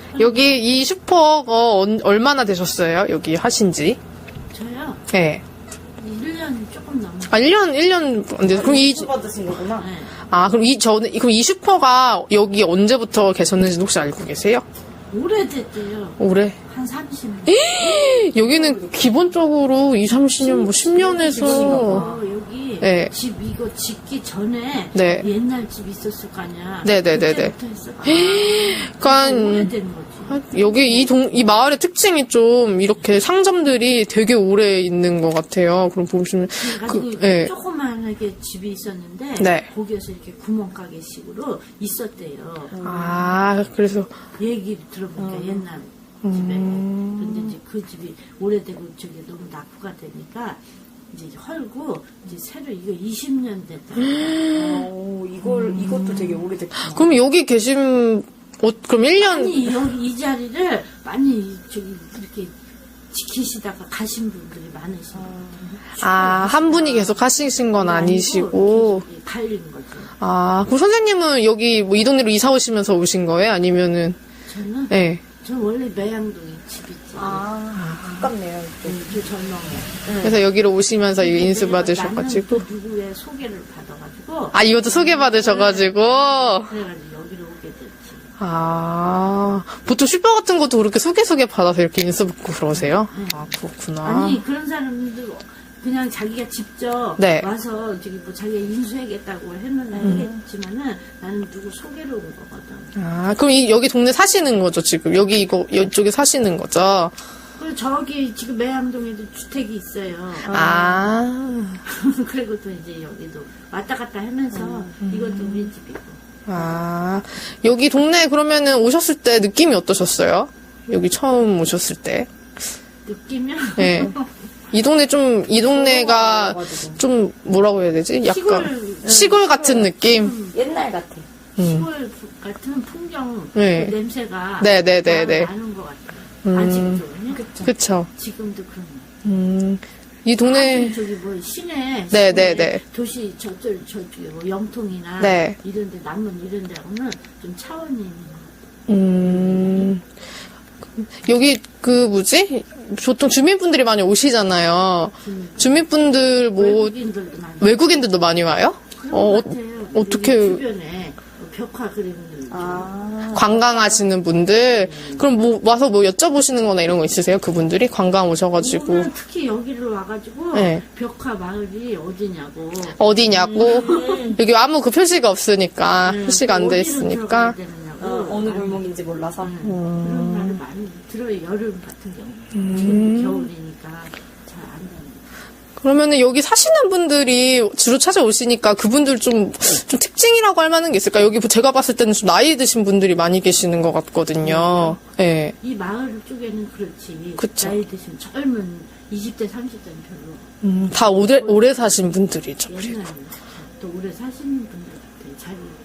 여기 이 슈퍼가 얼마나 되셨어요? 여기 하신지? 저요? 네. 1년 조금 넘었어요. 아, 1년 안 돼서. 그럼 수 받으신 거구나. 네. 그럼 이 슈퍼가 여기 언제부터 계셨는지 혹시 알고 계세요? 오래됐대요. 올해? 한 30년. 여기는 기본적으로 20, 30년, 뭐 10년에서. 여기 네. 집 이거 짓기 전에 네. 옛날 집 있었을 거 아니야. 네네네네. 그때부터 했을 거야. 그러니까 오래된 거지. 여기 이 마을의 특징이 좀 이렇게 상점들이 되게 오래 있는 것 같아요. 그럼 보시면 그래가지고 예. 조그만하게 집이 있었는데 네. 거기에서 이렇게 구멍가게식으로 있었대요. 아, 그래서 얘기를 들어보니까 옛날 집에. 그런데 이제 그 집이 오래되고 저게 너무 낙후가 되니까 이제 헐고 이제 새로 이거 20년 됐다. 이것도 되게 오래됐구나. 그럼 여기 계신 그럼 1년 아니 여기 이 자리를 많이 저기 이렇게 지키시다가 가신 분들이 많으시고 한 분이 계속 하시신 건 아니시고. 갈린 거죠. 그럼 선생님은 여기 뭐 이 동네로 이사 오시면서 오신 거예요? 아니면은 저는 네. 저 원래 매양동에 집 있지. 가깝네요. 그 전망에. 그래서 여기로 오시면서 이거 인수 나는 받으셔가지고. 또 누구의 소개를 받아가지고. 이것도 소개받으셔가지고. 그래가지고 여기로 오게 됐지. 보통 슈퍼 같은 것도 그렇게 소개 받아서 이렇게 인수 받고 그러세요? 그렇구나. 아니 그런 사람들 그냥 자기가 직접 네. 와서 저기 뭐 자기가 인수하겠다고 했지만은 나는 누구 소개로 온 거거든. 그럼 여기 동네 사시는 거죠, 지금? 이쪽에 사시는 거죠? 그리고 저기 지금 매암동에도 주택이 있어요. 그리고 또 이제 여기도 왔다 갔다 하면서 이것도 우리 집이고. 여기 동네 그러면은 오셨을 때 느낌이 어떠셨어요? 여기 처음 오셨을 때? 느끼면 네. 이 동네가 좀 뭐라고 해야 되지? 약간 시골 같은 느낌? 옛날 같아. 시골 같은 풍경 네. 그 냄새가 네네네네. 나는 것 같아요. 아직도 그쵸. 지금도 그런 거. 이 동네, 저기 뭐 시내 네네네. 도시 저쪽에 뭐 영통이나 네. 이런데 남문 이런데하고는 좀 차원이 있는 것 여기 보통 주민분들이 많이 오시잖아요. 주민분들 외국인들도 많이 외국인들도 많이 와요? 그런 것 같아요. 어떻게 여기 주변에 벽화 그리는 관광하시는 분들 그럼 와서 여쭤보시는 거나 이런 거 있으세요? 그분들이 관광 오셔가지고 오늘 특히 여기로 와가지고 네. 벽화 마을이 어디냐고 어디냐고 여기 아무 그 표시가 없으니까 표시가 안 돼 어디로 있으니까 들어가야 되느냐고 어느 골목인지 몰라서. 그런 말을 많이 들어요. 여름 같은 경우 지금 겨울이니까 잘 안 되는. 그러면은 여기 사시는 분들이 주로 찾아오시니까 그분들 좀 특징이라고 할 만한 게 있을까? 여기 제가 봤을 때는 좀 나이 드신 분들이 많이 계시는 것 같거든요. 예. 이 마을 쪽에는 그렇지. 그쵸. 나이 드신 젊은 20대, 30대는 별로. 다 오래 사신 분들이죠. 옛날에 또 오래 사시는 분들 같아요. 잘 모르죠.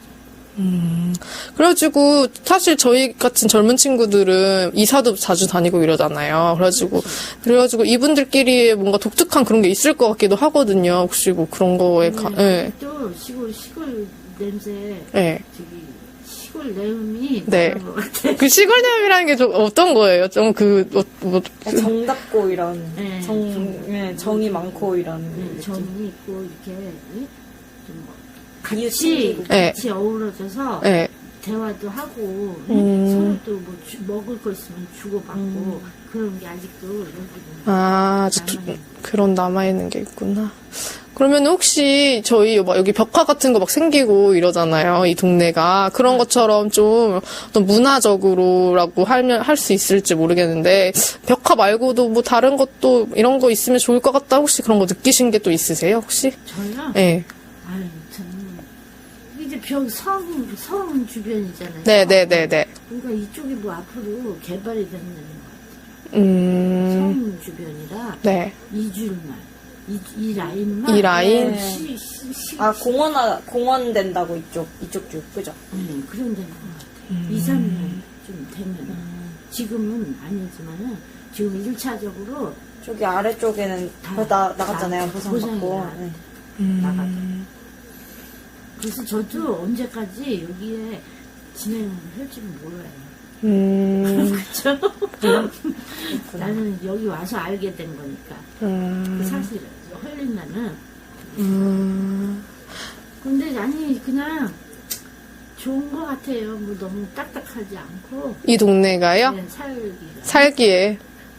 그래가지고 사실 저희 같은 젊은 친구들은 이사도 자주 다니고 이러잖아요. 그래가지고 이분들끼리 뭔가 독특한 그런 게 있을 것 같기도 하거든요. 혹시 뭐 그런 거에 네. 또 시골 냄새. 예. 저기 시골 내음이 네. 나는 것 같아. 그 시골내음이라는 게 좀 어떤 거예요? 좀 정답고 이런 네, 정이 많고 이런 정이 있고 이렇게 좀 같이 같이 어우러져서 예. 대화도 하고 서로 또 뭐 먹을 거 있으면 주고받고 그런 게 아직도 여기는 그런 남아있는 게 있구나. 그러면 혹시 저희 여기 벽화 같은 거 막 생기고 이러잖아요. 이 동네가. 그런 것처럼 좀 어떤 문화적으로라고 할 수 있을지 모르겠는데 벽화 말고도 뭐 다른 것도 이런 거 있으면 좋을 것 같다. 혹시 그런 거 느끼신 게 또 있으세요? 혹시? 저요? 네. 아유 저는 이제 성 주변이잖아요. 네네네네. 그러니까 이쪽이 뭐 앞으로 개발이 되는 것 같아요. 성 주변이라 네. 이줄만 이 라인만 이 라인? 네. 공원 된다고 이쪽 쭉 그죠? 그런 데는 것 같아요. 2, 3년 좀 되면 지금은 아니지만은 지금 1차적으로 저기 아래쪽에는 나갔잖아요. 보상받고. 나가죠. 그래서 저도 언제까지 여기에 진행을 할지는 몰라요. 그렇죠. 나는 여기 와서 알게 된 거니까. 사실 헐린나는. 근데 아니 그냥 좋은 것 같아요. 뭐 너무 딱딱하지 않고. 이 동네가요? 그냥 살기가. 살기에.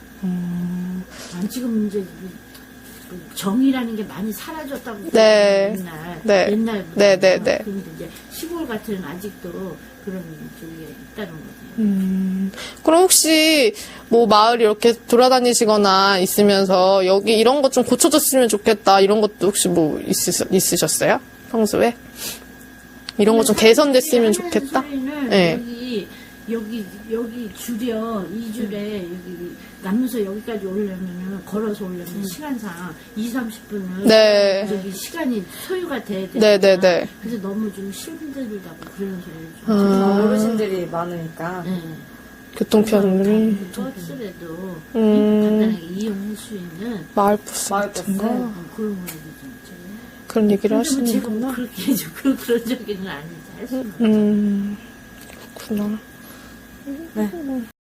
지금 이제 그 정이라는 게 많이 사라졌다고. 네. 옛날. 네. 옛날보다. 네, 네, 네. 근데 이제 시골 같은 아직도 그런 쪽에 있다는 거죠. 그럼 혹시 뭐 마을 이렇게 돌아다니시거나 있으면서 여기 이런 것 좀 고쳐졌으면 좋겠다 이런 것도 혹시 뭐 있으셨어요? 평소에? 이런 거 좀 개선됐으면 좋겠다? 네. 여기 줄여, 이 줄에, 여기, 남문서 여기까지 오려면은, 걸어서 오려면 시간상 20-30분은. 네. 여기 시간이 소요가 돼야 돼. 네네네. 그래서 너무 좀 힘들다고 그런 소리를 좀. 어르신들이 많으니까. 네. 교통편이. 버스라도 간단하게 이용할 수 있는 마을버스 마을 같은 버스? 거? 그런 거를 좀 있죠. 그런 얘기를 근데 뭐 제가 하시는구나. 뭐 그렇게 해줘. 그런 적은 아니지. 할 수는 없죠. 그렇구나. 네.